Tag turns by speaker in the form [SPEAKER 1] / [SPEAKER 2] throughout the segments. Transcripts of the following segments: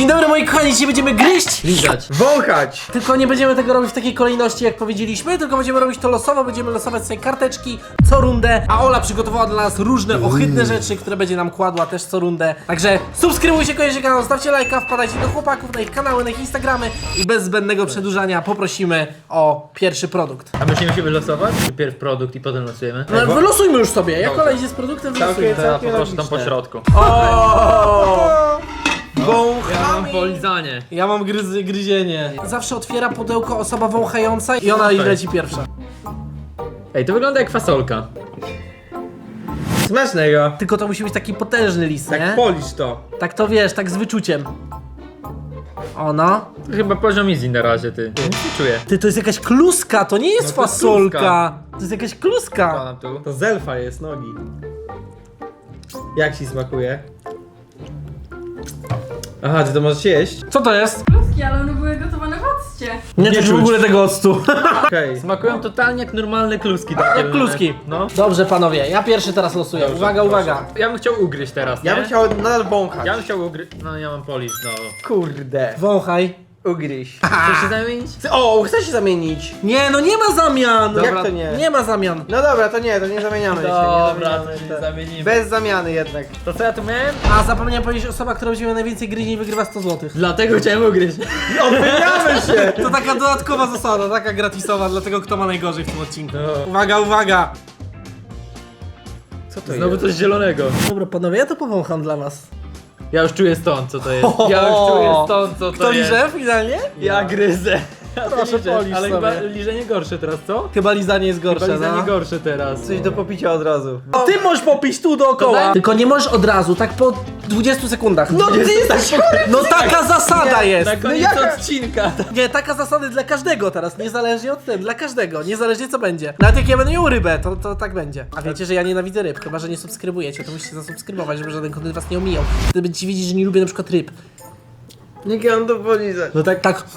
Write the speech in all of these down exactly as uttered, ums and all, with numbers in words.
[SPEAKER 1] Dzień dobry moi kochani, dzisiaj będziemy gryźć,
[SPEAKER 2] lizać,
[SPEAKER 3] wąchać.
[SPEAKER 1] tylko nie będziemy tego robić w takiej kolejności jak powiedzieliśmy, tylko będziemy robić to losowo, będziemy losować sobie karteczki co rundę, a Ola przygotowała dla nas różne ohydne rzeczy, które będzie nam kładła też co rundę. Także subskrybujcie koniecznie kanał, stawcie lajka, wpadajcie do chłopaków na ich kanały, na ich Instagramy i bez zbędnego przedłużania poprosimy o pierwszy produkt.
[SPEAKER 2] a my się musimy losować? Najpierw produkt i potem losujemy?
[SPEAKER 1] No, wylosujmy już sobie, jak Ola idzie z produktem, wylosujmy.
[SPEAKER 2] To ja poproszę tam po środku.
[SPEAKER 1] O!
[SPEAKER 2] Ja mam polizanie.
[SPEAKER 1] Ja mam gryzy, gryzienie. Zawsze otwiera pudełko osoba wąchająca i ona leci pierwsza.
[SPEAKER 2] Ej, to wygląda jak fasolka.
[SPEAKER 3] Smacznego.
[SPEAKER 1] Tylko to musi być taki potężny list,
[SPEAKER 3] Tak
[SPEAKER 1] nie?
[SPEAKER 3] polisz to.
[SPEAKER 1] Tak to wiesz, tak z wyczuciem. Ono.
[SPEAKER 2] To chyba poziom easy na razie, ty. Nie czuję.
[SPEAKER 1] Ty, to jest jakaś kluska, to nie jest
[SPEAKER 2] No to jest
[SPEAKER 1] fasolka.
[SPEAKER 2] kluska.
[SPEAKER 1] To jest jakaś kluska.
[SPEAKER 2] Pana tu.
[SPEAKER 3] To z elfa jest nogi. Jak ci smakuje? Aha, ty to możesz jeść?
[SPEAKER 1] Co to jest?
[SPEAKER 4] Kluski, ale one były gotowane w occie.
[SPEAKER 1] Nie,
[SPEAKER 2] Nie
[SPEAKER 1] czuć w
[SPEAKER 2] czuć.
[SPEAKER 1] ogóle tego octu.
[SPEAKER 3] Okej.
[SPEAKER 2] Smakują totalnie jak normalne kluski. Takie
[SPEAKER 1] Jak kluski.
[SPEAKER 2] No.
[SPEAKER 1] Dobrze panowie, ja pierwszy teraz losuję.
[SPEAKER 2] Dobrze,
[SPEAKER 1] Uwaga,
[SPEAKER 2] proszę.
[SPEAKER 1] uwaga.
[SPEAKER 2] Ja bym chciał ugryźć teraz,
[SPEAKER 3] Ja
[SPEAKER 2] nie?
[SPEAKER 3] bym chciał nadal wąchać.
[SPEAKER 2] Ja bym chciał ugryźć. No ja mam polisz, no.
[SPEAKER 3] Kurde.
[SPEAKER 1] Wąchaj.
[SPEAKER 3] Ugryź.
[SPEAKER 2] Chcesz się zamienić?
[SPEAKER 3] O, chcę się zamienić.
[SPEAKER 1] Nie, no nie ma zamian.
[SPEAKER 3] Jak to nie?
[SPEAKER 1] Nie ma zamian.
[SPEAKER 3] No dobra, to nie, to nie zamieniamy się.
[SPEAKER 2] Dobra,
[SPEAKER 3] nie
[SPEAKER 2] to
[SPEAKER 3] zamieniamy,
[SPEAKER 2] się
[SPEAKER 3] to-
[SPEAKER 2] nie zamienimy.
[SPEAKER 3] Bez zamiany jednak.
[SPEAKER 2] To co ja tu miałem?
[SPEAKER 1] A zapomniałem powiedzieć, osoba, która będzie miała najwięcej gryzień wygrywa sto złotych.
[SPEAKER 2] Dlatego chciałem ugryźć.
[SPEAKER 3] Odmieniamy się!
[SPEAKER 1] To taka dodatkowa zasada, taka gratisowa dla tego, kto ma najgorzej w tym odcinku. Uwaga, uwaga!
[SPEAKER 3] Co to
[SPEAKER 2] Znowu
[SPEAKER 3] jest?
[SPEAKER 2] coś zielonego.
[SPEAKER 1] Dobra panowie, ja to powącham dla was.
[SPEAKER 2] Ja już czuję stąd, co to jest. Ja już czuję stąd, co to
[SPEAKER 1] Kto
[SPEAKER 2] jest.
[SPEAKER 1] liże finalnie?
[SPEAKER 2] Ja gryzę. A ty
[SPEAKER 1] Proszę,
[SPEAKER 2] liżesz,
[SPEAKER 1] polisz
[SPEAKER 2] ale
[SPEAKER 1] sobie.
[SPEAKER 2] chyba liżenie gorsze teraz, co?
[SPEAKER 1] Chyba lizanie jest gorsze,
[SPEAKER 2] Chyba lizanie
[SPEAKER 1] no.
[SPEAKER 2] gorsze teraz.
[SPEAKER 3] Coś do popicia od razu.
[SPEAKER 1] No ty możesz popić tu dookoła. Tylko nie możesz od razu, tak po dwudziestu sekundach.
[SPEAKER 3] No ty jesteś chory!
[SPEAKER 1] No taka zasada jest!
[SPEAKER 2] Na koniec
[SPEAKER 3] jaka-
[SPEAKER 2] odcinka.
[SPEAKER 1] Nie, taka zasada dla każdego teraz, niezależnie od tego, dla każdego, niezależnie co będzie. Nawet jak ja będę miał rybę, to, to tak będzie. A wiecie, że ja nienawidzę ryb, chyba że nie subskrybujecie, to musicie zasubskrybować, żeby żaden kontent was nie omijał. Wtedy będziecie wiedzieć, że nie lubię na przykład ryb.
[SPEAKER 3] Niech ja mam to polizać.
[SPEAKER 1] No tak, tak,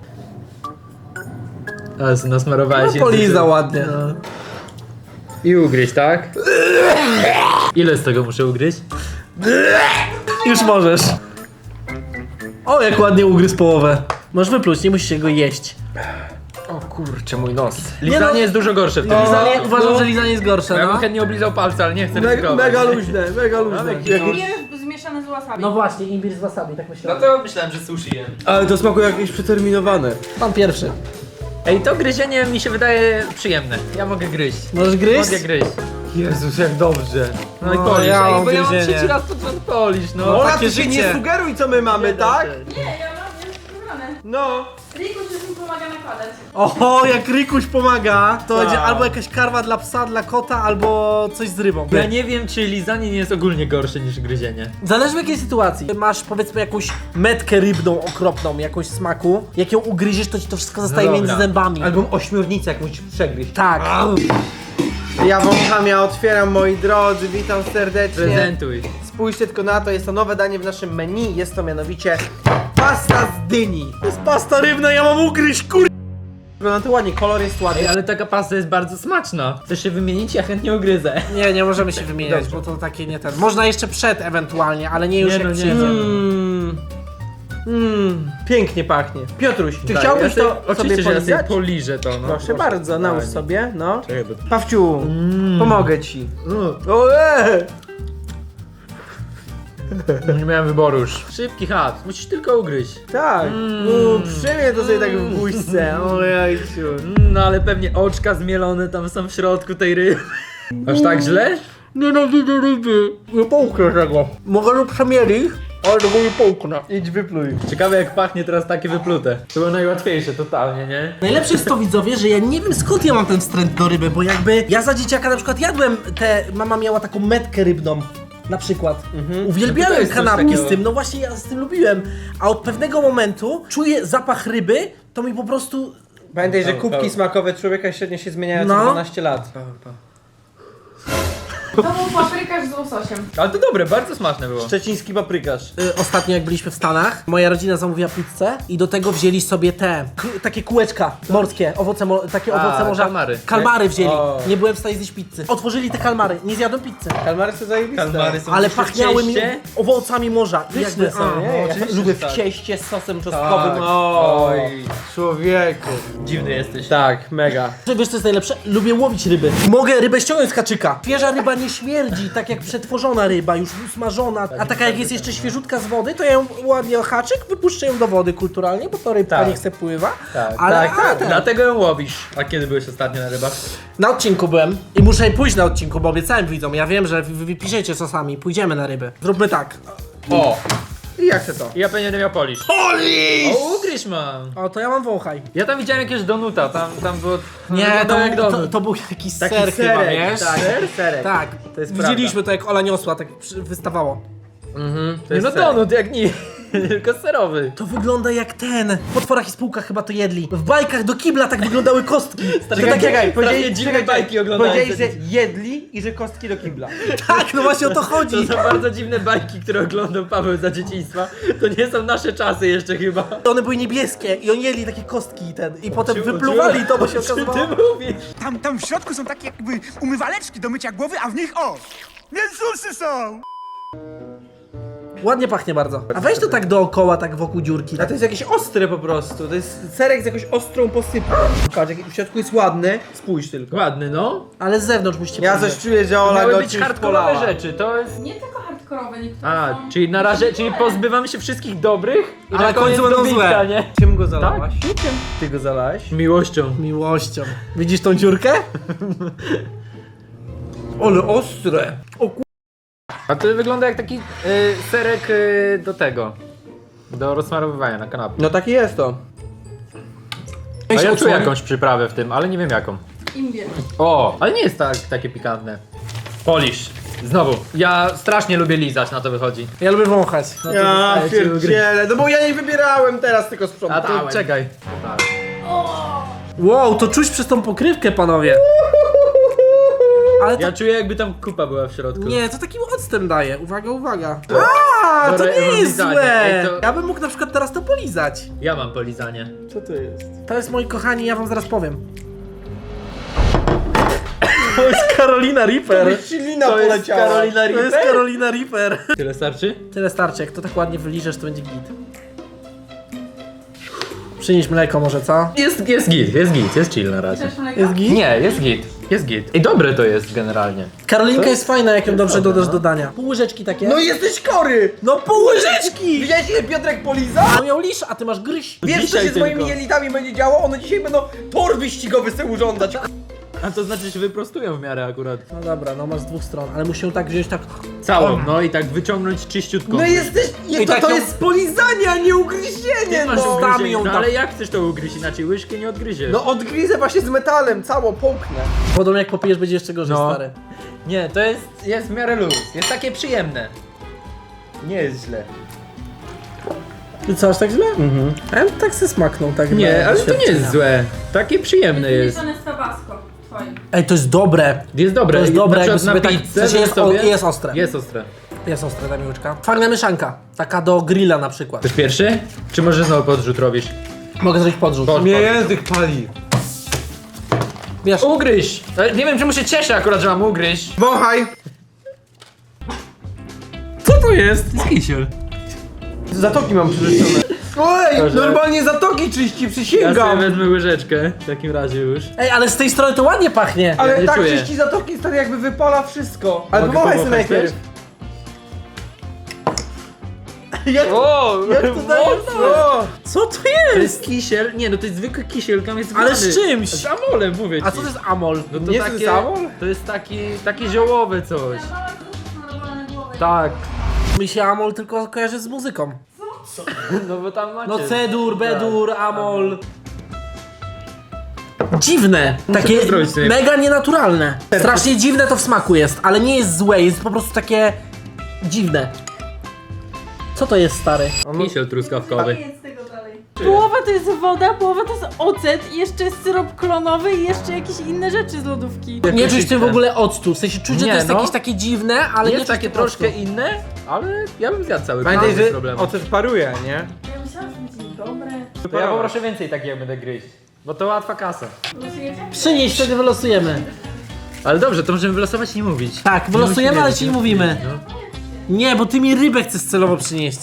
[SPEAKER 2] A, nasmarowałeś
[SPEAKER 1] no poliza ładnie.
[SPEAKER 2] I ugryźć, tak? Ile z tego muszę ugryźć?
[SPEAKER 1] Już możesz. O, jak ładnie ugryzł połowę. Możesz wypluć, nie musisz go jeść.
[SPEAKER 3] O kurczę, mój nos.
[SPEAKER 2] Lizanie
[SPEAKER 1] no-
[SPEAKER 2] jest dużo gorsze w tym.
[SPEAKER 1] Lizanie,
[SPEAKER 2] No,
[SPEAKER 1] uważam,
[SPEAKER 2] no.
[SPEAKER 1] że lizanie jest gorsze,
[SPEAKER 2] Ja bym
[SPEAKER 1] no.
[SPEAKER 2] chętnie oblizał palce, ale nie chcę
[SPEAKER 3] Mega,
[SPEAKER 2] ryzykować.
[SPEAKER 3] mega luźne, mega luźne.
[SPEAKER 4] Imbir zmieszany z wasabi.
[SPEAKER 1] No właśnie, imbir z wasabi, tak
[SPEAKER 2] No
[SPEAKER 1] myślałem.
[SPEAKER 2] to myślałem, że sushi jem.
[SPEAKER 3] Ale to smakuje jakieś przeterminowane.
[SPEAKER 1] Pan pierwszy.
[SPEAKER 2] Ej, to gryzienie mi się wydaje przyjemne. Ja mogę gryźć.
[SPEAKER 1] Możesz gryźć?
[SPEAKER 2] Mogę gryźć.
[SPEAKER 3] Jezus, jak dobrze.
[SPEAKER 2] No i
[SPEAKER 1] No,
[SPEAKER 2] polisz.
[SPEAKER 1] ja
[SPEAKER 2] Ej,
[SPEAKER 1] mam
[SPEAKER 2] bo ja mam
[SPEAKER 1] gryzienie.
[SPEAKER 2] trzeci raz pod rząd polisz, no.
[SPEAKER 1] No,
[SPEAKER 3] Ola,
[SPEAKER 1] takie
[SPEAKER 3] ty się
[SPEAKER 1] życie.
[SPEAKER 3] nie sugeruj, co my mamy, tak?
[SPEAKER 4] Nie, ja mam już wybrane.
[SPEAKER 3] No.
[SPEAKER 4] Rikus już mi pomaga nakładać.
[SPEAKER 1] Oho, jak Rykuś pomaga, to
[SPEAKER 3] Tak.
[SPEAKER 1] będzie albo jakaś karma dla psa, dla kota, albo coś z rybą.
[SPEAKER 2] Ja nie wiem, czy lizanie nie jest ogólnie gorsze niż gryzienie.
[SPEAKER 1] Zależy w jakiej sytuacji. Masz powiedzmy jakąś metkę rybną okropną, jakąś smaku. Jak ją ugryziesz, to ci to wszystko zostaje
[SPEAKER 2] dobra.
[SPEAKER 1] między zębami.
[SPEAKER 3] Albo ośmiornicę jakąś przegryźć.
[SPEAKER 1] Tak.
[SPEAKER 3] Ja wącham, ja otwieram, moi drodzy, witam serdecznie.
[SPEAKER 2] Prezentuj.
[SPEAKER 3] Spójrzcie tylko na to, jest to nowe danie w naszym menu, jest to mianowicie pasta z dyni.
[SPEAKER 1] To jest pasta rybna, ja mam ugryźć, kur...
[SPEAKER 3] Wygląda to ładnie, kolor jest
[SPEAKER 2] Ej,
[SPEAKER 3] ładny.
[SPEAKER 2] ale taka pasta jest bardzo smaczna. Chcesz się wymienić? Ja chętnie ugryzę.
[SPEAKER 1] Nie, nie możemy się wymieniać,
[SPEAKER 3] Dobrze.
[SPEAKER 1] bo to takie nie ten. Można jeszcze przed ewentualnie, ale nie już
[SPEAKER 2] Nie,
[SPEAKER 1] jak
[SPEAKER 2] no nie,
[SPEAKER 1] przyjedziemy.
[SPEAKER 3] Mmm. Mmm. Pięknie pachnie. Piotruś, czy
[SPEAKER 2] Daj,
[SPEAKER 3] chciałbyś
[SPEAKER 2] ja sobie-
[SPEAKER 3] to sobie
[SPEAKER 2] Oczywiście, że ja sobie
[SPEAKER 3] polizać?
[SPEAKER 2] poliżę to, no.
[SPEAKER 3] Proszę bardzo, nałóż
[SPEAKER 2] Fajnie.
[SPEAKER 3] sobie, no.
[SPEAKER 2] Czekaj, bo...
[SPEAKER 3] Pawciu,
[SPEAKER 2] Mm.
[SPEAKER 3] pomogę ci.
[SPEAKER 2] Mm.
[SPEAKER 3] Oe!
[SPEAKER 2] Nie miałem wyboru już. Szybki chat, musisz tylko ugryźć.
[SPEAKER 3] Tak.
[SPEAKER 2] Mm.
[SPEAKER 3] U, przyjmie to sobie tak w buźce. Ojejciu.
[SPEAKER 2] Mm, No ale pewnie oczka zmielone tam są w środku tej ryby. Aż tak źle?
[SPEAKER 1] Nienawidzę ryby. Nie połknę tego. Mogę lub przemielić, ale tego nie połknę.
[SPEAKER 3] Idź wypluj.
[SPEAKER 2] Ciekawe jak pachnie teraz takie wyplute. To było najłatwiejsze totalnie, nie?
[SPEAKER 1] Najlepsze jest to, widzowie, że ja nie wiem skąd ja mam ten wstręt do ryby, bo jakby ja za dzieciaka na przykład jadłem te, mama miała taką metkę rybną. Na przykład.
[SPEAKER 2] No to
[SPEAKER 1] Uwielbiałem
[SPEAKER 2] jest coś
[SPEAKER 1] kanapki
[SPEAKER 2] takiego.
[SPEAKER 1] z tym, no właśnie ja z tym lubiłem. A od pewnego momentu czuję zapach ryby, to mi po prostu...
[SPEAKER 3] Pamiętaj, że
[SPEAKER 2] Paweł,
[SPEAKER 3] kubki
[SPEAKER 2] Paweł.
[SPEAKER 3] smakowe człowieka średnio się zmieniają co
[SPEAKER 1] No.
[SPEAKER 3] dwanaście lat.
[SPEAKER 4] To był paprykarz z łososiem.
[SPEAKER 2] Ale to dobre, bardzo smaczne było.
[SPEAKER 3] Szczeciński paprykarz.
[SPEAKER 1] Y, Ostatnio jak byliśmy w Stanach, moja rodzina zamówiła pizzę i do tego wzięli sobie te, k- takie kółeczka morskie, owoce, mo takie
[SPEAKER 2] A,
[SPEAKER 1] owoce morza.
[SPEAKER 2] kalmary.
[SPEAKER 1] Kalmary wzięli.
[SPEAKER 3] O.
[SPEAKER 1] Nie byłem w stanie zjeść pizzy. Otworzyli te kalmary, nie zjadłem pizzy.
[SPEAKER 3] Kalmary są zajebiste.
[SPEAKER 2] Kalmary są
[SPEAKER 1] Ale
[SPEAKER 2] jeszcze w
[SPEAKER 1] pachniały mi
[SPEAKER 2] cieście.
[SPEAKER 1] owocami morza. I
[SPEAKER 3] Pyszne
[SPEAKER 1] jakby-
[SPEAKER 3] są,
[SPEAKER 1] a,
[SPEAKER 3] nie?
[SPEAKER 1] no,
[SPEAKER 3] Ja
[SPEAKER 2] oczywiście,
[SPEAKER 3] lubię
[SPEAKER 2] że
[SPEAKER 3] w
[SPEAKER 2] tak.
[SPEAKER 3] cieście z sosem
[SPEAKER 2] Tak.
[SPEAKER 3] czosnkowym. O,
[SPEAKER 2] Oj,
[SPEAKER 3] człowieku.
[SPEAKER 2] dziwny jesteś.
[SPEAKER 3] Tak, mega.
[SPEAKER 1] Wiesz co jest najlepsze? Lubię łowić ryby. Mogę rybę ściągnąć z kaczyka. Świeża ryba nie śmierdzi, tak jak przetworzona ryba, już usmażona. A taka jak jest jeszcze świeżutka z wody, to ja ją ładnie o haczyk, wypuszczę ją do wody kulturalnie, bo to rybka
[SPEAKER 2] Tak.
[SPEAKER 1] nie chce pływa.
[SPEAKER 2] Tak,
[SPEAKER 1] ale,
[SPEAKER 2] tak,
[SPEAKER 1] ale
[SPEAKER 2] tak.
[SPEAKER 1] ten-
[SPEAKER 2] Dlatego ją łowisz. A kiedy byłeś ostatnio na rybach?
[SPEAKER 1] Na odcinku byłem i muszę pójść na odcinku, bo obiecałem widzom. Ja wiem, że wy wy piszecie sosami, pójdziemy na ryby. Zróbmy tak.
[SPEAKER 2] O!
[SPEAKER 3] I jak chcę to?
[SPEAKER 2] I ja będę miał polisz.
[SPEAKER 3] Polisz!
[SPEAKER 2] O, ugryź mam.
[SPEAKER 1] O, to ja mam wąchaj.
[SPEAKER 2] Ja tam widziałem jakiegoś donuta, tam, tam było...
[SPEAKER 1] Nie, to,
[SPEAKER 2] wyglądało jak
[SPEAKER 1] to,
[SPEAKER 2] donut.
[SPEAKER 1] to był jakiś
[SPEAKER 3] Taki
[SPEAKER 1] ser chyba,
[SPEAKER 3] serek,
[SPEAKER 1] wiesz?
[SPEAKER 3] tak, ser, serek.
[SPEAKER 1] Tak,
[SPEAKER 3] To jest
[SPEAKER 1] widzieliśmy to jak Ola niosła, tak przy- wystawało.
[SPEAKER 3] Mhm, to
[SPEAKER 2] Nie,
[SPEAKER 3] jest
[SPEAKER 2] no
[SPEAKER 3] serek.
[SPEAKER 2] donut, jak nie. Tylko serowy.
[SPEAKER 1] To wygląda jak ten. W potworach i spółkach chyba to jedli. W bajkach do kibla tak wyglądały kostki. To
[SPEAKER 3] Czekaj,
[SPEAKER 1] tak
[SPEAKER 3] czekaj,
[SPEAKER 2] strasznie
[SPEAKER 3] powiedzieli,
[SPEAKER 2] dziwne
[SPEAKER 3] czekaj,
[SPEAKER 2] bajki oglądałem
[SPEAKER 3] powiedzieli, że
[SPEAKER 2] wtedy.
[SPEAKER 3] jedli i że kostki do kibla.
[SPEAKER 1] Tak, no właśnie o to
[SPEAKER 2] To
[SPEAKER 1] chodzi.
[SPEAKER 2] są bardzo dziwne bajki, które oglądał Paweł za dzieciństwa. To nie są nasze czasy jeszcze chyba.
[SPEAKER 1] One były niebieskie i oni jedli takie kostki i ten. I potem
[SPEAKER 2] Ciu-
[SPEAKER 1] wypluwali
[SPEAKER 2] ciu-
[SPEAKER 1] to, bo się
[SPEAKER 2] o czym
[SPEAKER 1] okazywało.
[SPEAKER 2] ty mówisz?
[SPEAKER 5] Tam, tam w środku są takie jakby umywaleczki do mycia głowy, a w nich o! Mięsusy są!
[SPEAKER 1] Ładnie pachnie bardzo. A weź to tak dookoła, tak wokół dziurki.
[SPEAKER 3] A to jest jakieś ostre po prostu. To jest serek z jakąś ostrą posypką. Patrz, jak w środku jest ładny. Spójrz tylko.
[SPEAKER 2] Ładny, no.
[SPEAKER 1] Ale z zewnątrz musicie
[SPEAKER 3] Ja
[SPEAKER 1] powiedzieć.
[SPEAKER 3] coś czuję, że Ola
[SPEAKER 2] Miały
[SPEAKER 3] go
[SPEAKER 2] być
[SPEAKER 3] czymś
[SPEAKER 2] hardkorowe
[SPEAKER 3] polała.
[SPEAKER 2] rzeczy, to jest...
[SPEAKER 4] Nie tylko hardkorowe, niektóre
[SPEAKER 2] A,
[SPEAKER 4] są...
[SPEAKER 2] czyli na razie, czyli pozbywamy się wszystkich dobrych i
[SPEAKER 1] A
[SPEAKER 2] na
[SPEAKER 1] na końcu
[SPEAKER 2] koniec
[SPEAKER 1] będą
[SPEAKER 2] dobitka,
[SPEAKER 1] złe.
[SPEAKER 2] nie?
[SPEAKER 3] Czym go zalałaś?
[SPEAKER 2] Tak?
[SPEAKER 3] Ty go zalałeś?
[SPEAKER 2] Miłością.
[SPEAKER 1] Miłością. Widzisz tą dziurkę?
[SPEAKER 3] Ale ostre.
[SPEAKER 1] O ku...
[SPEAKER 2] A to wygląda jak taki y, serek y, do tego. Do rozsmarowywania na kanapie.
[SPEAKER 3] No taki jest to.
[SPEAKER 2] A ja czuję
[SPEAKER 1] odsłoni.
[SPEAKER 2] jakąś przyprawę w tym, ale nie wiem jaką.
[SPEAKER 4] Imbir.
[SPEAKER 2] O, ale nie jest tak, takie pikantne. Polisz. Znowu. Ja strasznie lubię lizać, na to wychodzi.
[SPEAKER 1] Ja lubię wąchać. No to
[SPEAKER 3] Ja
[SPEAKER 1] zostaje ci ugryźć.
[SPEAKER 3] pierdzielę, no bo ja nie wybierałem teraz, tylko
[SPEAKER 2] A
[SPEAKER 3] sprzątałem.
[SPEAKER 2] to czekaj.
[SPEAKER 1] Wow, to czuć przez tą pokrywkę, panowie. Ale to...
[SPEAKER 2] Ja czuję jakby tam kupa była w środku.
[SPEAKER 1] Nie, to takim octem daje. Uwaga, uwaga. A, to
[SPEAKER 2] Dobra, ja
[SPEAKER 1] nie
[SPEAKER 2] mam
[SPEAKER 1] jest
[SPEAKER 2] lizanie.
[SPEAKER 1] złe.
[SPEAKER 2] Ej, to-
[SPEAKER 1] Ja bym mógł na przykład teraz to polizać.
[SPEAKER 2] Ja mam polizanie.
[SPEAKER 3] Co to jest?
[SPEAKER 1] To jest, moi kochani, ja wam zaraz powiem. To jest Carolina Reaper.
[SPEAKER 3] Ślina
[SPEAKER 2] To jest
[SPEAKER 3] poleciała.
[SPEAKER 2] Carolina
[SPEAKER 1] To jest
[SPEAKER 2] Reaper?
[SPEAKER 1] Carolina Reaper.
[SPEAKER 2] Tyle starczy?
[SPEAKER 1] Tyle starczy, jak to tak ładnie wyliżesz, to będzie git. Przynieś mleko może, co?
[SPEAKER 2] Jest, jest git, jest git, jest chill na razie.
[SPEAKER 4] Chcesz mleko?
[SPEAKER 1] Jest git?
[SPEAKER 2] Nie, jest git, jest git. I dobre to jest generalnie.
[SPEAKER 1] Karolinka jest fajna, jak ją dobrze
[SPEAKER 2] dobre,
[SPEAKER 1] dodasz
[SPEAKER 2] no.
[SPEAKER 1] do dania. Pół łyżeczki takie.
[SPEAKER 3] No jesteś chory!
[SPEAKER 1] no pół łyżeczki!
[SPEAKER 3] Widziałeś ile Piotrek poliza?
[SPEAKER 1] On miał lisz, a ty masz gryź.
[SPEAKER 3] Wiesz co
[SPEAKER 2] Dzisiaj
[SPEAKER 3] się z moimi
[SPEAKER 2] tylko.
[SPEAKER 3] jelitami będzie działo? One dzisiaj będą tor wyścigowy sobie urządzać.
[SPEAKER 2] A to znaczy się wyprostują w miarę akurat.
[SPEAKER 1] No dobra, no masz z dwóch stron, ale musi ją tak wziąć tak...
[SPEAKER 2] Całą, no i tak wyciągnąć czyściutką.
[SPEAKER 3] No jesteś... Nie,
[SPEAKER 1] I
[SPEAKER 3] to,
[SPEAKER 1] tak
[SPEAKER 3] to
[SPEAKER 1] ją-
[SPEAKER 3] jest polizanie, a nie ugryzienie,
[SPEAKER 2] Ty masz
[SPEAKER 3] no!
[SPEAKER 1] ugryzienie.
[SPEAKER 2] ugryzienie,
[SPEAKER 1] ją
[SPEAKER 2] no
[SPEAKER 1] tak-
[SPEAKER 2] ale jak chcesz to ugryźć inaczej? Łyżkę nie odgryziesz.
[SPEAKER 3] No odgryzę właśnie z metalem, całą połknę.
[SPEAKER 1] Podobno jak popijesz, będzie jeszcze gorzej,
[SPEAKER 2] No.
[SPEAKER 1] stary.
[SPEAKER 2] Nie, to jest, jest w miarę luz, jest takie przyjemne.
[SPEAKER 3] Nie jest źle.
[SPEAKER 1] I co, aż tak źle? Mhm. A ja bym tak se smaknął, tak
[SPEAKER 2] Nie,
[SPEAKER 1] dla
[SPEAKER 2] ale to nie
[SPEAKER 1] doświadczenia.
[SPEAKER 2] jest złe. Takie przyjemne
[SPEAKER 4] Jest
[SPEAKER 2] jest.
[SPEAKER 4] wymieszane z tabasco. Twoim.
[SPEAKER 1] Ej, to jest dobre.
[SPEAKER 2] Jest dobre.
[SPEAKER 1] To jest
[SPEAKER 2] I
[SPEAKER 1] dobre,
[SPEAKER 2] na
[SPEAKER 1] jakby
[SPEAKER 2] przykład
[SPEAKER 1] sobie
[SPEAKER 2] na
[SPEAKER 1] tak-
[SPEAKER 2] pizzę,
[SPEAKER 1] w sensie jest
[SPEAKER 2] sobie...
[SPEAKER 1] o- jest ostre.
[SPEAKER 2] Jest ostre.
[SPEAKER 1] Jest ostre, ta miłyczka. Fajna mieszanka. Taka do grilla na przykład.
[SPEAKER 2] Chcesz pierwszy? Czy może znowu podrzut robisz?
[SPEAKER 1] Mogę zrobić podrzut.
[SPEAKER 2] Pod-
[SPEAKER 3] Mnie język pali.
[SPEAKER 1] Wiesz,
[SPEAKER 2] Ugryź! Ale nie wiem czemu się cieszę akurat, że mam ugryźć.
[SPEAKER 3] Wąchaj!
[SPEAKER 2] Co to jest? To jest kisiel.
[SPEAKER 3] Zatoki mam przyrzeczone. Oj,
[SPEAKER 2] Proszę.
[SPEAKER 3] normalnie zatoki czyści,
[SPEAKER 2] Ja
[SPEAKER 3] przysięgam.
[SPEAKER 2] sobie wezmę łyżeczkę w takim razie już.
[SPEAKER 1] ej, ale z tej strony to ładnie pachnie.
[SPEAKER 3] Ale
[SPEAKER 2] nie
[SPEAKER 3] tak
[SPEAKER 2] czuję.
[SPEAKER 3] czyści zatoki, stary, jakby wypala wszystko. Ale
[SPEAKER 2] Mogę
[SPEAKER 3] powąchaj sobie
[SPEAKER 2] powąchać
[SPEAKER 3] najpierw. Jak,
[SPEAKER 2] O!
[SPEAKER 3] jak to daje? O!
[SPEAKER 1] Co to
[SPEAKER 2] To
[SPEAKER 1] jest?
[SPEAKER 2] jest kisiel? Nie, no to jest zwykły kisiel, tam jest
[SPEAKER 1] Ale
[SPEAKER 2] wlany.
[SPEAKER 1] z czymś?
[SPEAKER 2] Z amolem, mówię ci.
[SPEAKER 1] A co to jest amol?
[SPEAKER 2] No to
[SPEAKER 3] Nie
[SPEAKER 2] takie,
[SPEAKER 3] jest amol?
[SPEAKER 2] to jest taki, takie ziołowe coś.
[SPEAKER 4] Ja mała gruszka narobiona na głowę.
[SPEAKER 2] Tak.
[SPEAKER 1] Mi się amol tylko kojarzy z muzyką.
[SPEAKER 2] No bo tam macie.
[SPEAKER 1] No cedur, bedur, amol. Dziwne. Takie
[SPEAKER 2] to zrobić sobie.
[SPEAKER 1] mega nienaturalne. Strasznie dziwne to w smaku jest, ale nie jest złe, jest po prostu takie dziwne. Co to jest, stary?
[SPEAKER 2] Kisiel truskawkowy.
[SPEAKER 4] Nie jedz tego dalej. Połowa to jest woda, połowa to jest ocet i jeszcze jest syrop klonowy i jeszcze jakieś inne rzeczy z lodówki.
[SPEAKER 1] Nie czuć w tym w ogóle octu, w sensie czuć, że
[SPEAKER 2] Nie,
[SPEAKER 1] to jest
[SPEAKER 2] no.
[SPEAKER 1] jakieś takie dziwne, ale nie
[SPEAKER 2] Jest
[SPEAKER 1] czuć
[SPEAKER 2] takie
[SPEAKER 1] tego
[SPEAKER 2] troszkę
[SPEAKER 1] octu.
[SPEAKER 2] inne, ale ja bym zjadł cały
[SPEAKER 3] Pamiętaj,
[SPEAKER 2] bez
[SPEAKER 3] że
[SPEAKER 2] problemu.
[SPEAKER 3] ocet paruje, nie?
[SPEAKER 4] Ja myślałam, że będzie dobre.
[SPEAKER 2] To ja poproszę więcej takiego będę gryźć, bo to łatwa kasa.
[SPEAKER 4] Losujecie?
[SPEAKER 1] Przynieś, wtedy wylosujemy.
[SPEAKER 2] Ale dobrze, to możemy wylosować i nie mówić.
[SPEAKER 1] Tak,
[SPEAKER 2] Nie
[SPEAKER 1] wylosujemy,
[SPEAKER 2] musimy
[SPEAKER 1] ale
[SPEAKER 2] wiedzieć,
[SPEAKER 1] ci nie
[SPEAKER 2] no.
[SPEAKER 1] mówimy.
[SPEAKER 2] No.
[SPEAKER 1] Nie, bo ty mi rybę chcesz celowo przynieść.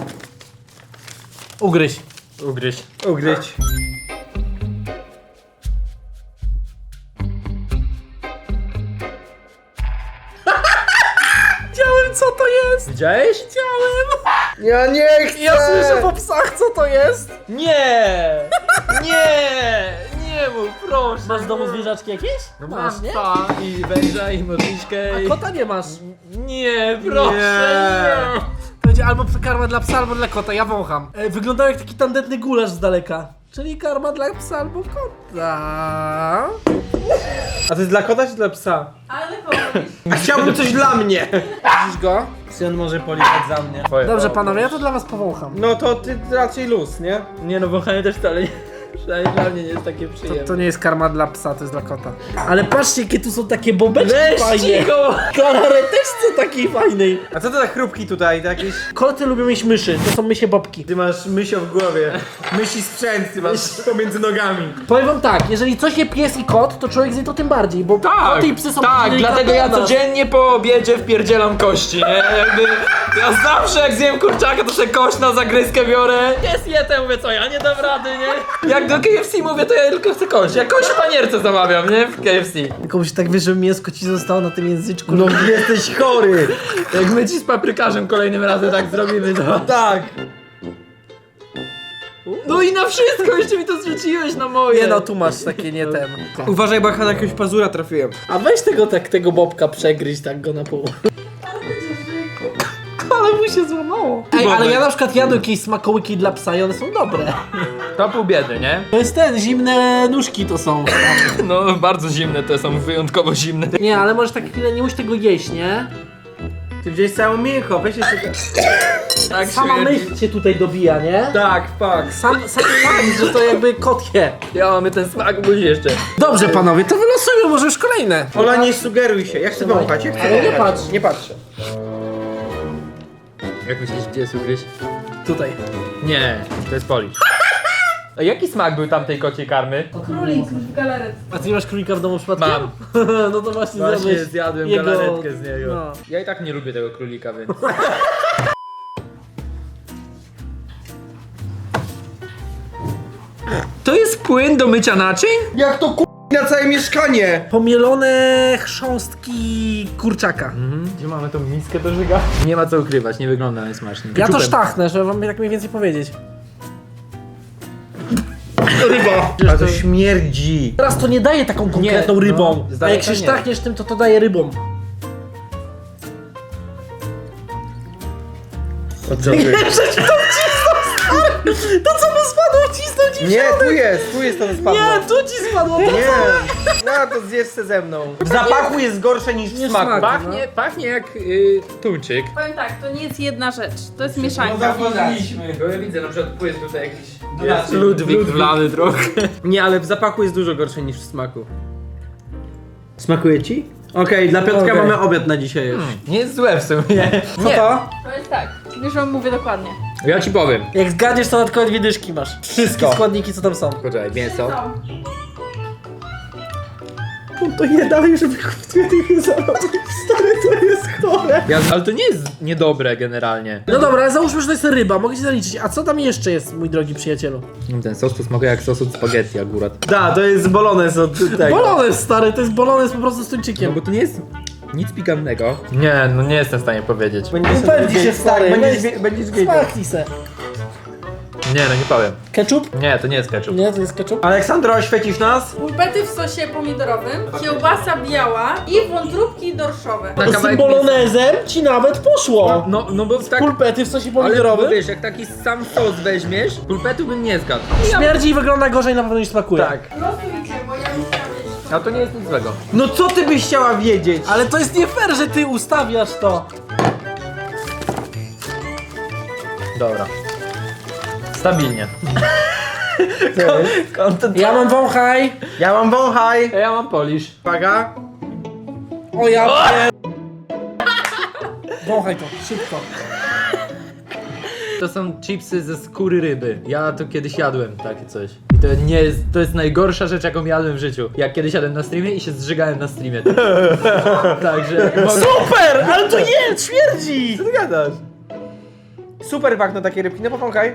[SPEAKER 1] Ugryź.
[SPEAKER 2] Ugryź.
[SPEAKER 3] Ugryźć.
[SPEAKER 1] Wiedziałem, co to jest!
[SPEAKER 2] Widziałeś?
[SPEAKER 1] Wiedziałem!
[SPEAKER 3] Ja nie chcę!
[SPEAKER 1] Ja słyszę po psach, co to jest!
[SPEAKER 2] Nie! Nie! Nie mów, proszę.
[SPEAKER 1] Masz w domu zwierzaczki jakieś?
[SPEAKER 2] No
[SPEAKER 1] masz,
[SPEAKER 2] masz,
[SPEAKER 1] nie?
[SPEAKER 2] psa i węża i modliszkę
[SPEAKER 1] A
[SPEAKER 2] i...
[SPEAKER 1] kota nie masz.
[SPEAKER 2] Nie, proszę,
[SPEAKER 3] Nie.
[SPEAKER 2] nie!
[SPEAKER 1] To będzie albo karma dla psa, albo dla kota, ja wącham. E, wyglądał jak taki tandetny gulasz z daleka. Czyli karma dla psa albo kota.
[SPEAKER 3] A to jest dla kota czy dla psa?
[SPEAKER 4] Ale kogoś.
[SPEAKER 3] A chciałbym coś dla mnie!
[SPEAKER 1] Widzisz go?
[SPEAKER 3] Czy on może policzać za mnie?
[SPEAKER 2] Twoje
[SPEAKER 1] Dobrze
[SPEAKER 2] to.
[SPEAKER 1] panowie, ja to dla was powącham.
[SPEAKER 3] No to ty raczej luz, nie?
[SPEAKER 2] Nie no, wąchanie też wcale nie... Przynajmniej dla mnie nie jest takie
[SPEAKER 1] To,
[SPEAKER 2] przyjemne.
[SPEAKER 1] to nie jest karma dla psa, to jest dla kota. Ale patrzcie, jakie tu są takie bobeczki
[SPEAKER 2] Weź
[SPEAKER 1] fajne.
[SPEAKER 2] cicho!
[SPEAKER 1] Koloreteczce takiej fajnej.
[SPEAKER 3] A co to za chrupki tutaj? To jakieś...
[SPEAKER 1] Koty lubią mieć myszy, to są mysie bobki.
[SPEAKER 3] Ty masz mysio w głowie. Mysi sprzęt ty masz pomiędzy nogami.
[SPEAKER 1] Powiem wam tak, jeżeli coś je pies i kot, to człowiek zje to tym bardziej, bo koty i psy są
[SPEAKER 2] tak,
[SPEAKER 1] delikatne
[SPEAKER 2] dlatego ja
[SPEAKER 1] od nas.
[SPEAKER 2] codziennie po obiedzie wpierdzielam kości, nie? Jakby, ja zawsze jak zjem kurczaka, to sobie kość na zagryzkę biorę. Jest je, mówię, co ja nie dam rady, nie? Jak do K F C mówię, to ja tylko chcę kość. Ja kość w panierce zamawiam, nie? W K F C.
[SPEAKER 1] Tylko musi tak wiesz, żeby mięsko ci zostało na tym języczku.
[SPEAKER 3] No jesteś chory!
[SPEAKER 2] Jak my ci z paprykarzem kolejnym razem tak zrobimy, to...
[SPEAKER 3] Tak!
[SPEAKER 2] No i na wszystko, jeszcze mi to zrzuciłeś na moje.
[SPEAKER 1] Nie no, tu masz takie nie ten.
[SPEAKER 3] Uważaj, bo ja na jakiegoś pazura trafiłem.
[SPEAKER 1] A weź tego tak, tego bobka przegryź tak go na pół. Ale mu się złamało. Ej, ale ja na przykład jadłem jakieś smakołyki dla psa i one są dobre.
[SPEAKER 2] To pół biedy, nie?
[SPEAKER 1] To jest ten, zimne nóżki to są.
[SPEAKER 2] No, bardzo zimne te są, wyjątkowo zimne.
[SPEAKER 1] Nie, ale możesz tak chwilę, nie musisz tego jeść, nie?
[SPEAKER 3] Ty wziąłeś całą mięcho, weź jeszcze...
[SPEAKER 2] Tak
[SPEAKER 1] Sama
[SPEAKER 2] śmierdzi.
[SPEAKER 1] myśl cię tutaj dobija, nie?
[SPEAKER 3] Tak, fuck.
[SPEAKER 1] Sam, sam fakt, że to jakby kot je.
[SPEAKER 2] Ja mamy ten smak buzi jeszcze.
[SPEAKER 1] Dobrze panowie, to wylosujmy może już kolejne.
[SPEAKER 3] Ola, nie sugeruj się. Ja chcę wąchać, ja chcę
[SPEAKER 1] Ale nie
[SPEAKER 3] wąchać.
[SPEAKER 1] patrz.
[SPEAKER 3] Nie patrzę.
[SPEAKER 2] Jak myślisz, gdzie jest ugryź?
[SPEAKER 1] Tutaj.
[SPEAKER 2] Nie, to jest polisz. A jaki smak był tamtej kociej karmy?
[SPEAKER 4] Królik w galaretce.
[SPEAKER 1] A ty nie masz królika w domu przypadkiem?
[SPEAKER 2] Mam.
[SPEAKER 1] No to właśnie,
[SPEAKER 2] Właśnie
[SPEAKER 1] zjadłeś
[SPEAKER 2] zjadłem
[SPEAKER 1] jego...
[SPEAKER 2] galaretkę z niego.
[SPEAKER 1] No.
[SPEAKER 2] Ja i tak nie lubię tego królika, więc... To jest płyn do mycia naczyń?
[SPEAKER 3] Jak to ku... na całe mieszkanie?
[SPEAKER 1] Pomielone chrząstki kurczaka.
[SPEAKER 2] Mhm. Gdzie mamy tą miskę do żyga? Nie ma co ukrywać, nie wygląda najsmaczniej.
[SPEAKER 1] Ja to
[SPEAKER 2] Keczupem.
[SPEAKER 1] sztachnę, żeby wam tak mniej więcej powiedzieć.
[SPEAKER 3] Ryba. A to śmierdzi.
[SPEAKER 1] Teraz to nie daje taką konkretną
[SPEAKER 2] Nie, no,
[SPEAKER 1] rybą.
[SPEAKER 2] z
[SPEAKER 1] A jak
[SPEAKER 2] daleka
[SPEAKER 1] się
[SPEAKER 2] nie.
[SPEAKER 1] sztachniesz tym, to to daje rybą.
[SPEAKER 3] Oddziałuję.
[SPEAKER 1] To co mu spadło, cisnął ci
[SPEAKER 3] Nie, tu jest, tu jest to co spadło.
[SPEAKER 1] Nie, tu ci spadło. To...
[SPEAKER 3] Nie. No to zjesz se ze mną. W zapachu jest gorsze niż w
[SPEAKER 1] Nie
[SPEAKER 3] smaku.
[SPEAKER 1] smak.
[SPEAKER 2] Pachnie, pachnie jak y, tuńczyk.
[SPEAKER 4] Powiem tak, to nie jest jedna rzecz, to jest
[SPEAKER 3] No
[SPEAKER 4] mieszanka.
[SPEAKER 3] zauważyliśmy.
[SPEAKER 2] Bo ja widzę, na przykład płyt tutaj jakiś...
[SPEAKER 3] Jest
[SPEAKER 2] Ludwik wlany trochę.
[SPEAKER 3] Nie, ale w zapachu jest dużo gorsze niż w smaku. Smakuje ci? Okej, dla Piotrka
[SPEAKER 1] Okej.
[SPEAKER 3] mamy obiad na dzisiaj już.
[SPEAKER 2] Nie jest złe w sumie.
[SPEAKER 3] Co to?
[SPEAKER 4] To jest tak, już wam mówię dokładnie.
[SPEAKER 2] Ja ci powiem.
[SPEAKER 1] Jak zgadniesz, to dodatkowe dwie dyszki masz. Wszystkie składniki, co tam są.
[SPEAKER 2] Poczekaj, mięso.
[SPEAKER 4] Co?
[SPEAKER 1] To je dalej, żeby tych zarobić. Stary, to jest chore.
[SPEAKER 2] Ja, ale to nie jest niedobre generalnie.
[SPEAKER 1] No dobra, ale załóżmy, że to jest ryba, mogę ci zaliczyć. A co tam jeszcze jest, mój drogi przyjacielu?
[SPEAKER 2] Ten sos to smakuje jak sos od spaghetti akurat.
[SPEAKER 3] Da, to jest bolones od tego.
[SPEAKER 1] Bolones, stary, to jest bolones po prostu z
[SPEAKER 2] No
[SPEAKER 1] tuńczykiem.
[SPEAKER 2] bo to nie jest nic pikantnego. Nie, no nie jestem w stanie powiedzieć.
[SPEAKER 3] Będziesz
[SPEAKER 1] Upewnij się, stary,
[SPEAKER 3] tak, będziesz,
[SPEAKER 1] weź-
[SPEAKER 3] wie- będziesz wiedział.
[SPEAKER 1] Smaknij se.
[SPEAKER 2] Nie, no nie powiem.
[SPEAKER 1] Ketchup?
[SPEAKER 2] Nie, to nie jest ketchup.
[SPEAKER 1] Nie, to jest ketchup.
[SPEAKER 3] Aleksandro, oświecisz nas?
[SPEAKER 4] Pulpety w sosie pomidorowym, kiełbasa biała i wątróbki dorszowe.
[SPEAKER 2] Na
[SPEAKER 1] Z tym
[SPEAKER 2] kawałek
[SPEAKER 1] bolonezem ci nawet poszło.
[SPEAKER 2] No, no bo tak...
[SPEAKER 1] Pulpety w sosie
[SPEAKER 2] Ale bo
[SPEAKER 1] pomidorowym.
[SPEAKER 2] wiesz, jak taki sam sos weźmiesz, pulpetu bym nie zgadł.
[SPEAKER 1] Śmierdzi i wygląda gorzej na pewno niż smakuje.
[SPEAKER 3] Tak.
[SPEAKER 4] Losujcie, bo ja muszę mieć.
[SPEAKER 2] A to nie jest nic złego.
[SPEAKER 3] No co ty byś chciała wiedzieć?
[SPEAKER 1] Ale to jest nie fair, że ty ustawiasz to.
[SPEAKER 2] Dobra. Stabilnie. Content.
[SPEAKER 1] Ja mam wąchaj.
[SPEAKER 3] Ja mam wąchaj.
[SPEAKER 2] A ja mam polish.
[SPEAKER 3] Uwaga.
[SPEAKER 1] O ja pier... Wąchaj to, szybko.
[SPEAKER 2] To są chipsy ze skóry ryby. Ja to kiedyś jadłem takie coś. I to nie jest, to jest najgorsza rzecz, jaką jadłem w życiu. Jak kiedyś jadłem na streamie i się zżygałem na streamie. Także mogę...
[SPEAKER 1] Super, ale to nie, śmierdzi.
[SPEAKER 3] Co ty gadasz? Super pachną takie rybki, no powąchaj.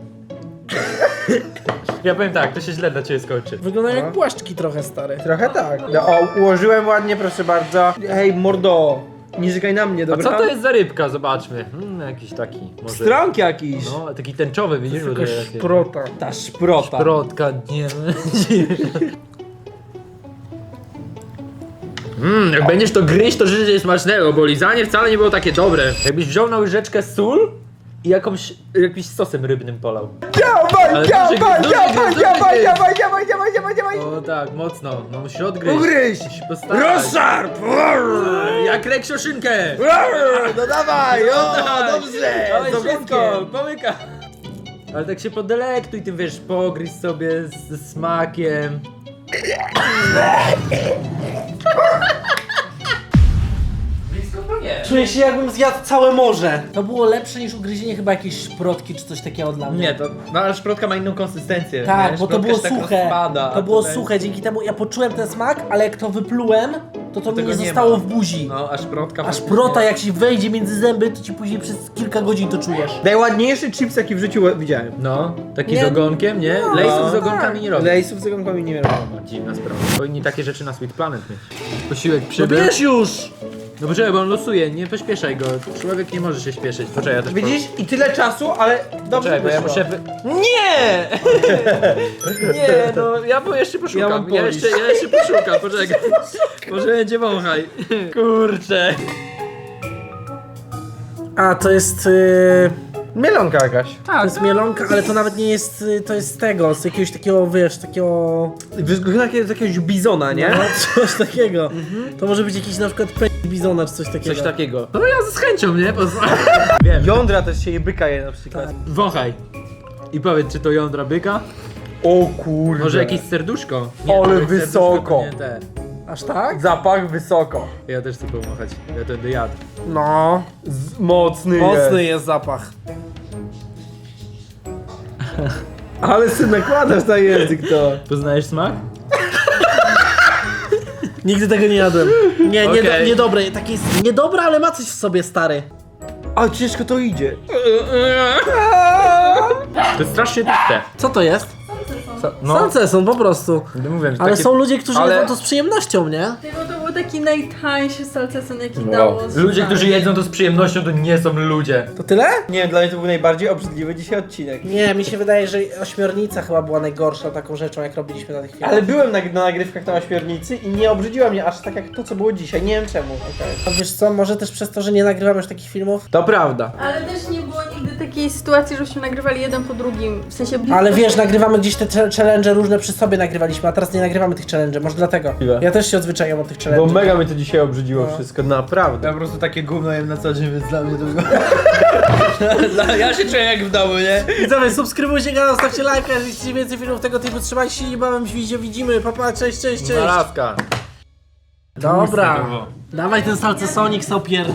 [SPEAKER 2] Ja powiem tak, to się źle dla ciebie skończy.
[SPEAKER 1] Wyglądają jak płaszczki trochę, stary.
[SPEAKER 3] Trochę tak. No, o, ułożyłem ładnie, proszę bardzo. Hej, mordo. Nie żygaj na mnie,
[SPEAKER 2] A
[SPEAKER 3] dobra?
[SPEAKER 2] co to jest za rybka? Zobaczmy. Hmm, jakiś taki może...
[SPEAKER 3] Stronk jakiś.
[SPEAKER 2] No, taki tęczowy, widzisz? Bo to
[SPEAKER 1] Jakaś
[SPEAKER 2] jest-
[SPEAKER 1] szprota.
[SPEAKER 3] Ta szprota.
[SPEAKER 2] Szprotka, nie. Mmm, jak będziesz to gryźć, to życie jest smacznego, bo lizanie wcale nie było takie dobre. Jakbyś wziął na łyżeczkę sól i jakąś, jakimś sosem rybnym polał.
[SPEAKER 3] Dawaj,
[SPEAKER 2] Ale
[SPEAKER 3] dawaj,
[SPEAKER 2] duży gryz,
[SPEAKER 3] dawaj,
[SPEAKER 2] duży gryz,
[SPEAKER 3] dawaj,
[SPEAKER 2] duży
[SPEAKER 3] dawaj, dawaj, dawaj, dawaj, dawaj.
[SPEAKER 2] O tak, mocno, no musisz odgryźć.
[SPEAKER 3] Ugryź!
[SPEAKER 2] Musisz postarać.
[SPEAKER 3] Rozszarp!
[SPEAKER 2] Jak reksioszynkę!
[SPEAKER 3] No dawaj, o,
[SPEAKER 2] tak.
[SPEAKER 3] dobrze!
[SPEAKER 2] Dawaj
[SPEAKER 3] z
[SPEAKER 2] wszystko,
[SPEAKER 3] ogonkiem.
[SPEAKER 2] pomyka. Ale tak się podelektuj tym, wiesz, pogryź sobie ze smakiem. Blisko to nie.
[SPEAKER 1] Czuję się, jakbym zjadł całe morze. To było lepsze niż ugryzienie chyba jakiejś szprotki czy coś takiego dla mnie.
[SPEAKER 2] Nie, to, no ale szprotka ma inną konsystencję.
[SPEAKER 1] Tak,
[SPEAKER 2] wiesz?
[SPEAKER 1] bo to
[SPEAKER 2] Szprotka
[SPEAKER 1] było
[SPEAKER 2] się tak
[SPEAKER 1] suche.
[SPEAKER 2] rozpada, a
[SPEAKER 1] To było
[SPEAKER 2] tutaj-
[SPEAKER 1] suche, dzięki temu ja poczułem ten smak, ale jak to wyplułem, to to mi
[SPEAKER 2] tego
[SPEAKER 1] nie
[SPEAKER 2] nie
[SPEAKER 1] zostało
[SPEAKER 2] ma.
[SPEAKER 1] w buzi.
[SPEAKER 2] No, a szprotka...
[SPEAKER 1] A
[SPEAKER 2] faktycznie-
[SPEAKER 1] szprota jak ci wejdzie między zęby, to ci później przez kilka godzin to czujesz.
[SPEAKER 3] Najładniejszy chips, jaki w życiu widziałem.
[SPEAKER 2] No, taki
[SPEAKER 1] Nie.
[SPEAKER 2] z ogonkiem, nie?
[SPEAKER 1] No,
[SPEAKER 2] Lejsów z
[SPEAKER 1] tak.
[SPEAKER 2] ogonkami nie robią.
[SPEAKER 3] Lejsów z ogonkami nie robią.
[SPEAKER 2] Dziwna sprawa. Powinni takie rzeczy na Sweet Planet mieć. Posiłek
[SPEAKER 1] No
[SPEAKER 2] przybył.
[SPEAKER 1] wiesz już!
[SPEAKER 2] No poczekaj, bo on losuje, nie pośpieszaj go. Człowiek nie może się śpieszyć. Poczekaj, ja też...
[SPEAKER 3] Widzisz? I tyle czasu, ale dobrze
[SPEAKER 2] Poczekaj, bo ja
[SPEAKER 3] wyszło.
[SPEAKER 2] muszę... Wy... Nie! Nie, no ja bo jeszcze
[SPEAKER 3] Ja
[SPEAKER 2] poszukam.
[SPEAKER 3] mam
[SPEAKER 2] Ja,
[SPEAKER 3] polisz.
[SPEAKER 2] jeszcze, ja jeszcze poszukam, poczekaj. Może będzie wąchaj. Kurczę.
[SPEAKER 1] A, to jest... Yy...
[SPEAKER 3] Mielonka jakaś.
[SPEAKER 1] To jest mielonka, ale to nawet nie jest, y, to jest z tego, z jakiegoś takiego, wiesz, takiego...
[SPEAKER 3] Wygląda jak z jakiegoś bizona, nie?
[SPEAKER 1] No, coś takiego. To może być jakiś na przykład pe... bizona czy coś takiego.
[SPEAKER 2] Coś takiego. No ja z chęcią, nie? Pozwolę. Wiem.
[SPEAKER 3] Jądra też się je byka je na przykład.
[SPEAKER 2] Wąchaj. I powiedz, czy to jądra byka?
[SPEAKER 3] O kurde.
[SPEAKER 2] Może jakieś serduszko?
[SPEAKER 3] Ale
[SPEAKER 2] to jak
[SPEAKER 3] wysoko.
[SPEAKER 2] serduszko, to nie te.
[SPEAKER 1] Aż tak?
[SPEAKER 3] Zapach wysoko.
[SPEAKER 2] Ja też chcę pomachać. Ja to będę jadł.
[SPEAKER 1] No.
[SPEAKER 3] Z, mocny,
[SPEAKER 1] Mocny
[SPEAKER 3] jest.
[SPEAKER 1] jest zapach.
[SPEAKER 3] Ale sy nakładasz na język to.
[SPEAKER 2] Poznajesz smak?
[SPEAKER 1] Nigdy tego nie jadłem. Nie, nie,
[SPEAKER 2] Okej.
[SPEAKER 1] niedobre. Takie jest niedobre, ale ma coś w sobie, stary.
[SPEAKER 3] A ciężko to idzie.
[SPEAKER 2] To jest strasznie tłuste.
[SPEAKER 1] Co to jest?
[SPEAKER 2] No,
[SPEAKER 1] Salceson po prostu.
[SPEAKER 2] będę mówiłem, że
[SPEAKER 1] Ale
[SPEAKER 2] takie...
[SPEAKER 1] są ludzie, którzy
[SPEAKER 2] ale-
[SPEAKER 1] jedzą to z przyjemnością, nie?
[SPEAKER 4] Tego to był taki najtańszy salceson, jaki
[SPEAKER 2] Wow.
[SPEAKER 4] dało
[SPEAKER 2] Ludzie,
[SPEAKER 4] znać.
[SPEAKER 2] którzy jedzą to z przyjemnością, to nie są ludzie.
[SPEAKER 1] To tyle?
[SPEAKER 3] Nie wiem, dla mnie to był najbardziej obrzydliwy dzisiaj odcinek.
[SPEAKER 1] Nie, mi się wydaje, że ośmiornica chyba była najgorsza taką rzeczą, jak robiliśmy na tych filmach.
[SPEAKER 3] Ale byłem na, na nagrywkach na ośmiornicy i nie obrzydziła mnie aż tak jak to, co było dzisiaj. Nie wiem czemu.
[SPEAKER 1] A wiesz co, może też przez to, że nie nagrywamy już takich filmów?
[SPEAKER 3] To prawda.
[SPEAKER 4] Ale też nie było nigdy takiej sytuacji, żebyśmy nagrywali jeden po drugim, w sensie...
[SPEAKER 1] Ale wiesz, nagrywamy gdzieś te cze- challenge różne przy sobie nagrywaliśmy, a teraz nie nagrywamy tych challenge, może dlatego.
[SPEAKER 3] Ile?
[SPEAKER 1] Ja też się odzwyczaiłem od tych
[SPEAKER 3] Bo
[SPEAKER 1] challenge.
[SPEAKER 3] mega mnie to dzisiaj obrzydziło wszystko, naprawdę.
[SPEAKER 2] Ja po prostu takie gówno jem na co dzień, więc dla mnie to było... Ja się czuję jak w domu, nie?
[SPEAKER 1] Widzowie, subskrybujcie kanał, stawcie lajka, jeżeli chcecie więcej filmów tego typu, trzymajcie się, niebawem się widzimy, papa, cześć, cześć, cześć.
[SPEAKER 2] Narazka.
[SPEAKER 1] Dobra,
[SPEAKER 2] Tłuste było.
[SPEAKER 1] dawaj ten salcesonik, sopier.